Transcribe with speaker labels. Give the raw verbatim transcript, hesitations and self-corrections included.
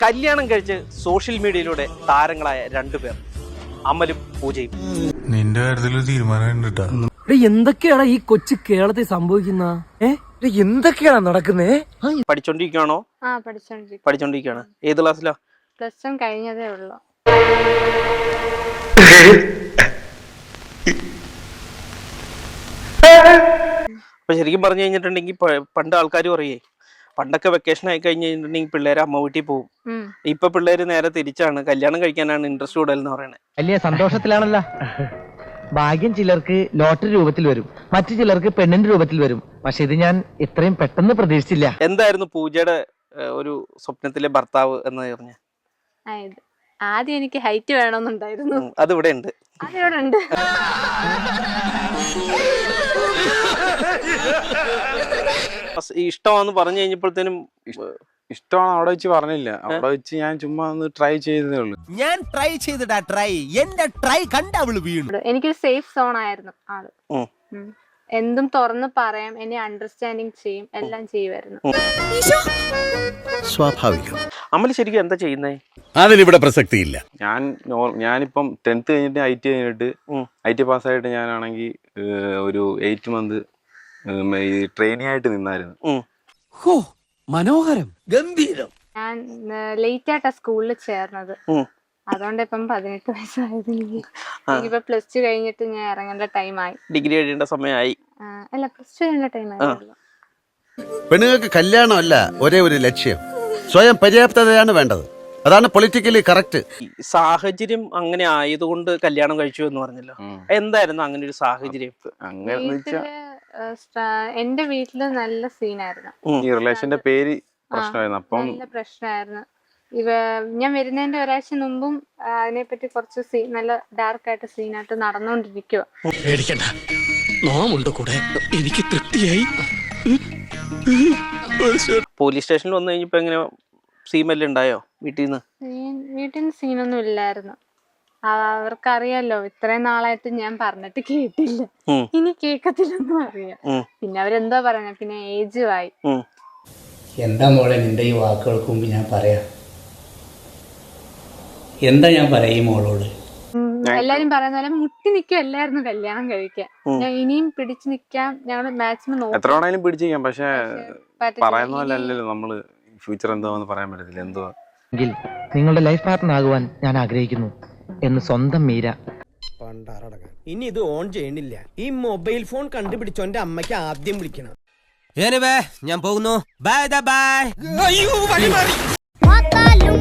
Speaker 1: കല്യാണം കഴിച്ച് സോഷ്യൽ മീഡിയയിലൂടെ താരങ്ങളായ രണ്ടുപേർ, അമലും പൂജയും.
Speaker 2: നിന്റെ കാര്യത്തിൽ തീരുമാനം
Speaker 3: എന്തൊക്കെയാണ് ഈ കൊച്ചു കേരളത്തിൽ സംഭവിക്കുന്ന എന്തൊക്കെയാണ് നടക്കുന്നേ?
Speaker 1: പഠിച്ചോണ്ടിരിക്കുകയാണോ?
Speaker 4: ആ പഠിച്ചോണ്ടിരിക്കും
Speaker 1: പഠിച്ചോണ്ടിരിക്കുകയാണ്. ഏത് ക്ലാസ്സിലാ?
Speaker 4: പ്ലസ് വൺ കഴിഞ്ഞതേ ഉള്ളൂ.
Speaker 1: അപ്പൊ ശരിക്കും പറഞ്ഞു കഴിഞ്ഞിട്ടുണ്ടെങ്കിൽ പണ്ട് ആൾക്കാർ പറയേ, പണ്ടൊക്കെ വെക്കേഷൻ ആയി കഴിഞ്ഞ് കഴിഞ്ഞിട്ടുണ്ടെങ്കിൽ പിള്ളേര് അമ്മ വീട്ടിൽ പോകും. ഇപ്പൊ പിള്ളേര് നേരെ തിരിച്ചാണ്, കല്യാണം കഴിക്കാനാണ് ഇൻട്രസ്റ്റ് കൂടുതൽ എന്ന് പറയുന്നത്.
Speaker 5: വലിയ സന്തോഷത്തിലാണല്ലോ. ഭാഗ്യം ചിലർക്ക് ലോട്ടറി രൂപത്തിൽ വരും, മറ്റു ചിലർക്ക് പെണ്ണിന്റെ രൂപത്തിൽ വരും. പക്ഷെ ഇത് ഞാൻ ഇത്രയും പെട്ടെന്ന് പ്രതീക്ഷിച്ചില്ല.
Speaker 1: എന്തായിരുന്നു പൂജയുടെ ഒരു സ്വപ്നത്തിലെ ഭർത്താവ് എന്ന് പറഞ്ഞ?
Speaker 4: ആദ്യം എനിക്ക് ഹൈറ്റ് വേണമെന്നുണ്ടായിരുന്നു.
Speaker 1: അതിവിടെ ഉണ്ട്,
Speaker 4: അതിവിടെ ഉണ്ട്.
Speaker 1: ഇഷ്ടമാന്ന് പറഞ്ഞു കഴിഞ്ഞപ്പോഴത്തേനും
Speaker 6: ഇഷ്ടമാണ് അവിടെ വെച്ച് പറഞ്ഞില്ല. അവിടെ വെച്ച് ഞാൻ ചുമ്മാ ഒന്ന് ട്രൈ ചെയ്തതേ ഉള്ളൂ.
Speaker 7: ഞാൻ ട്രൈ ചെയ്തിട്ടാ ട്രൈ എന്റെ ട്രൈ കണ്ട അവള് വീണു.
Speaker 4: എനിക്കൊരു സേഫ് സോൺ ആയിരുന്നു ആള്. എന്തും തുറന്ന് പറയാം, എന്നെ അണ്ടർസ്റ്റാൻഡിങ് ചെയ്യും, എല്ലാം ചെയ്യുമായിരുന്നു.
Speaker 7: സ്വാഭാവികം.
Speaker 1: അമൽ ശരിക്കും എന്താ ചെയ്യുന്നേ?
Speaker 6: അതിനിവിടെ പ്രസക്തിയില്ല. ഞാൻ ഞാനിപ്പം ടെൻത്ത് കഴിഞ്ഞിട്ട് ഐ ടി കഴിഞ്ഞിട്ട് ഐ ടി പാസ്സായിട്ട് ഞാനാണെങ്കിൽ ഒരു എയ്റ്റ് മന്ത് ട്രെയിനിങ് ആയിട്ട് നിന്നായിരുന്നു.
Speaker 3: മനോഹരം, ഗംഭീരം.
Speaker 4: ഞാൻ ലേറ്റ് ആയിട്ടാ സ്കൂളിൽ ചേർന്നത്, അതുകൊണ്ട് ഇപ്പം പതിനെട്ട് വയസ്സായത്. എനിക്കിപ്പോ പ്ലസ് ടു കഴിഞ്ഞിട്ട് ഞാൻ ഇറങ്ങേണ്ട ടൈമായി.
Speaker 1: ഡിഗ്രി കഴിയേണ്ട സമയമായി.
Speaker 4: അല്ല, പ്ലസ് ടു കഴിഞ്ഞ ടൈമായി.
Speaker 7: പെണ്ണുങ്ങൾക്ക് കല്യാണമല്ല ഒരേ ഒരു ലക്ഷ്യം, സ്വയം പര്യാപ്തതയാണ് വേണ്ടത്. അതാണ് പൊളിറ്റിക്കലി കറക്റ്റ്.
Speaker 1: സാഹചര്യം അങ്ങനെ ആയതുകൊണ്ട് കല്യാണം കഴിച്ചു എന്ന് പറഞ്ഞല്ലോ. എന്തായിരുന്നു അങ്ങനെ ഒരു സാഹചര്യം?
Speaker 4: വീട്ടില് എന്റെ വീട്ടില് നല്ല സീനായിരുന്നു.
Speaker 6: ഈ റിലേഷന്റെ പേര് പ്രശ്നമായിരുന്നു. അപ്പം
Speaker 4: നല്ല പ്രശ്നമായിരുന്നു. ഇവ ഞാൻ വരുന്നതിന്റെ ഒരാഴ്ച മുമ്പും അതിനെപ്പറ്റി കുറച്ച് സീൻ, നല്ല ഡാർക്ക് ആയിട്ട് സീനായിട്ട് നടന്നുകൊണ്ടിരിക്കുക.
Speaker 3: എനിക്ക് തൃപ്തിയായി.
Speaker 1: പോലീസ് സ്റ്റേഷനിൽ വന്നു കഴിഞ്ഞപ്പോ എങ്ങനെ സീമെല്ലാം ഉണ്ടായോ വീട്ടിൽ നിന്ന്?
Speaker 4: വീട്ടിൽ നിന്ന് സീനൊന്നും ഇല്ലായിരുന്നു. അവർക്കറിയാലോ ഇത്രയും നാളായിട്ട് ഞാൻ പറഞ്ഞിട്ട് കേട്ടില്ല, ഇനി കേക്കത്തില്ലെന്നും അറിയാം. പിന്നെ അവരെന്താ പറയുന്നത്, പിന്നെ ഏജുമായി.
Speaker 8: എന്താ മോളെ നിന്റെ ഈ വാക്കുകൾക്ക് മുമ്പ് ഞാൻ പറയാം? എന്താ ഞാൻ പറയാ ഈ മോളോട്?
Speaker 4: എല്ലാരും പറയുന്ന പോലെ മുട്ടി നിൽക്കുമല്ലായിരുന്നു കല്യാണം കഴിക്കാൻ. ഞാൻ ഇനിയും പിടിച്ചു നിൽക്കാം, ഞങ്ങൾ മാക്സിമം നോക്കാം.
Speaker 6: എത്ര വേണേലും പിടിച്ചു നിൽക്കാം. പക്ഷെ പറയുന്ന പോലെ അല്ലല്ലോ നമ്മള് ഫ്യൂച്ചർ എന്താന്ന് പറയാൻ പറ്റത്തില്ല. എന്തുവാ
Speaker 5: എങ്കിൽ നിങ്ങളുടെ ലൈഫ് പാർട്ട്ണർ ആകുവാൻ ഞാൻ ആഗ്രഹിക്കുന്നു എന്ന് സ്വന്തം മീര.
Speaker 9: ഇനി ഇത് ഓൺ ചെയ്യണില്ല. ഈ മൊബൈൽ ഫോൺ കണ്ടുപിടിച്ചോന്റെ അമ്മയ്ക്ക് ആദ്യം വിളിക്കണം.
Speaker 7: ഞാൻ പോകുന്നു. Bye by.